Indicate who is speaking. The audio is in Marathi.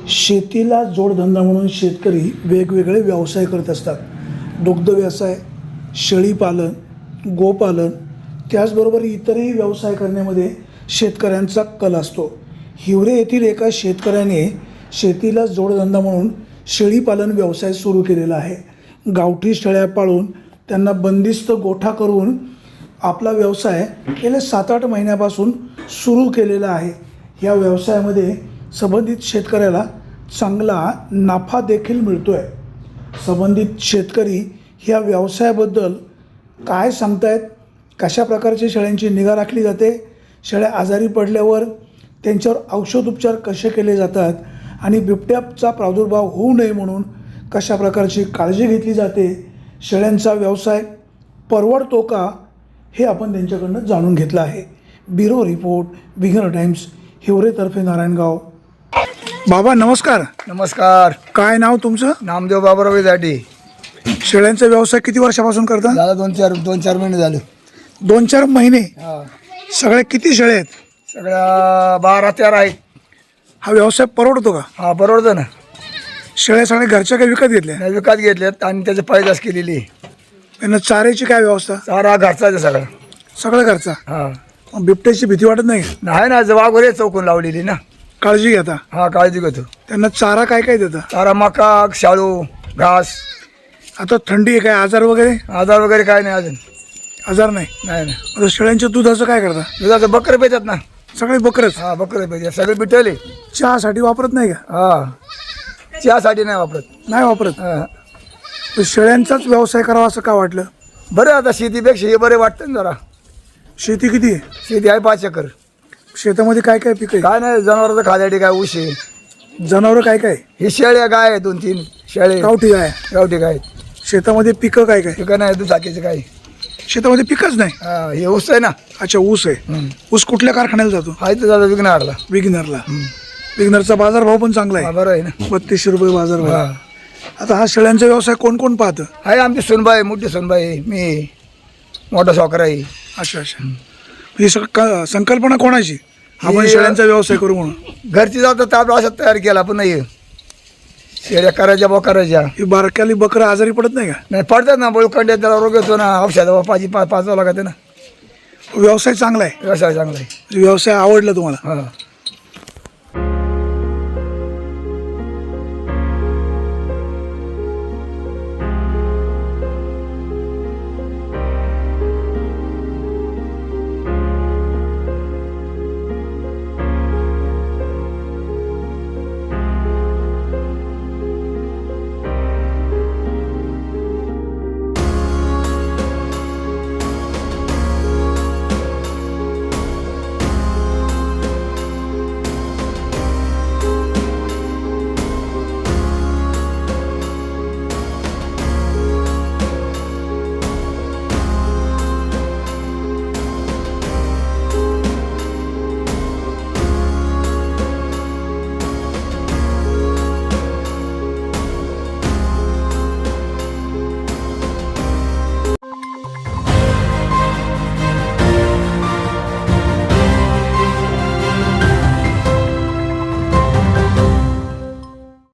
Speaker 1: शेतीला जोडधंदा म्हणून शेतकरी वेगवेगळे व्यवसाय करत असतात. दुग्ध व्यवसाय, शेळीपालन, गोपालन, त्याचबरोबर इतरही व्यवसाय करण्यामध्ये शेतकऱ्यांचा कल असतो. हिवरे येथील एका शेतकऱ्याने शेतीला जोडधंदा म्हणून शेळीपालन व्यवसाय सुरू केलेला आहे. गावठी शेळ्या पाळून त्यांना बंदिस्त गोठा करून आपला व्यवसाय गेल्या 7-8 महिन्यापासून सुरू केलेला आहे. या व्यवसायामध्ये संबंधित शेतकऱ्याला चांगला नफा देखील मिळतो आहे. संबंधित शेतकरी ह्या व्यवसायाबद्दल काय सांगतायत, कशा प्रकारच्या शेळ्यांची निगा राखली जाते, शेळ्या आजारी पडल्यावर त्यांच्यावर औषधोपचार कसे केले जातात आणि बिबट्याचा प्रादुर्भाव होऊ नये म्हणून कशा प्रकारची काळजी घेतली जाते, शेळ्यांचा व्यवसाय परवडतो का, हे आपण त्यांच्याकडनं जाणून घेतलं आहे. ब्युरो रिपोर्ट, बिगर टाइम्स, हिवरेतर्फे नारायणगाव. बाबा नमस्कार.
Speaker 2: नमस्कार.
Speaker 1: काय नाव तुमचं?
Speaker 2: नामदेव बाबूराव जाटी.
Speaker 1: शेळ्यांचा व्यवसाय किती वर्षापासून करता?
Speaker 2: झाला 2-4 महिने झाले.
Speaker 1: 2-4 महिने.
Speaker 2: हा.
Speaker 1: सगळ्या किती शेळ्या आहेत?
Speaker 2: सगळ्या 12-13 आहेत.
Speaker 1: हा व्यवसाय परवडतो का?
Speaker 2: हा, परवडतं ना.
Speaker 1: शेळ्या सगळ्या घरच्या काही विकत घेतल्या?
Speaker 2: नाही, विकत घेतल्यात आणि त्याची पैदास केलेली आहे.
Speaker 1: त्यांना चाऱ्याची काय व्यवस्था?
Speaker 2: चारा घरचा आहे सगळा.
Speaker 1: सगळं घरचा.
Speaker 2: हा.
Speaker 1: मग बिबट्याची भीती वाटत नाही का?
Speaker 2: नाही ना, वाघोरे चौकून लावलेली ना.
Speaker 1: काळजी घेता?
Speaker 2: हा, काळजी घेतो.
Speaker 1: त्यांना चारा काय काय देता?
Speaker 2: चारा मका, शाळू, घास.
Speaker 1: आता थंडी आहे, काय आजार वगैरे?
Speaker 2: आजार वगैरे काय नाही अजून.
Speaker 1: आजार नाही.
Speaker 2: नाही ना.
Speaker 1: आता शेळ्यांच्या दुधाचं काय करता?
Speaker 2: दुधाचं बकरे पेतात ना.
Speaker 1: सगळे बकरच?
Speaker 2: हा, बकरे पेतात. सगळे बिटले.
Speaker 1: चहासाठी वापरत नाही का?
Speaker 2: हा, चहासाठी नाही वापरत.
Speaker 1: नाही वापरत.
Speaker 2: हा.
Speaker 1: तर शेळ्यांचाच व्यवसाय करावा असं का वाटलं?
Speaker 2: बरं, आता शेतीपेक्षा हे बरे वाटतं ना जरा.
Speaker 1: शेती किती आहे?
Speaker 2: शेती आहे 5 एकर.
Speaker 1: शेतामध्ये काय काय पिकं आहे?
Speaker 2: काय नाही, जनावरांचं खाद्यासाठी काय ऊस आहे.
Speaker 1: जनावरं काय काय?
Speaker 2: ही शेळ्या गाय आहे, 2-3 शेळे
Speaker 1: गावठी गाय.
Speaker 2: गावठी गाय.
Speaker 1: शेतामध्ये पिकं काय काय?
Speaker 2: पिकं नाही, दुचाकीचं काय.
Speaker 1: शेतामध्ये पिकच नाही.
Speaker 2: हा, हे ऊस आहे ना.
Speaker 1: अच्छा, ऊस आहे. ऊस कुठल्या कारखान्याला जातो?
Speaker 2: हा, इथं जातो विघ्नहारला.
Speaker 1: विग्नरला. विग्नरचा बाजारभाव पण चांगला
Speaker 2: हा,
Speaker 1: आहे.
Speaker 2: बरं आहे ना.
Speaker 1: 3200 रुपये बाजारभाव.
Speaker 2: हा.
Speaker 1: आता हा शेळ्यांचा व्यवसाय कोण कोण पाहतं?
Speaker 2: आहे आमची सुनबाई, मोठी सुनबाई, मी, मोठा सावकार आहे.
Speaker 1: अच्छा अच्छा. ही संकल्पना कोणाची, आपण
Speaker 2: ही-
Speaker 1: शेळ्यांचा व्यवसाय करू म्हणून?
Speaker 2: घरची जातं तर आपलं असं तयार केला, पण नाही शेळ्या करायच्या बा करायच्या.
Speaker 1: ही बारक्याली बकरं आजारी पडत नाही का?
Speaker 2: नाही, पडतात ना, बोळखंड त्याला रोग येतो ना, औषध पाचवा लागते ना.
Speaker 1: व्यवसाय चांगला आहे.
Speaker 2: व्यवसाय चांगला आहे.
Speaker 1: व्यवसाय आवडला तुम्हाला?
Speaker 2: हा.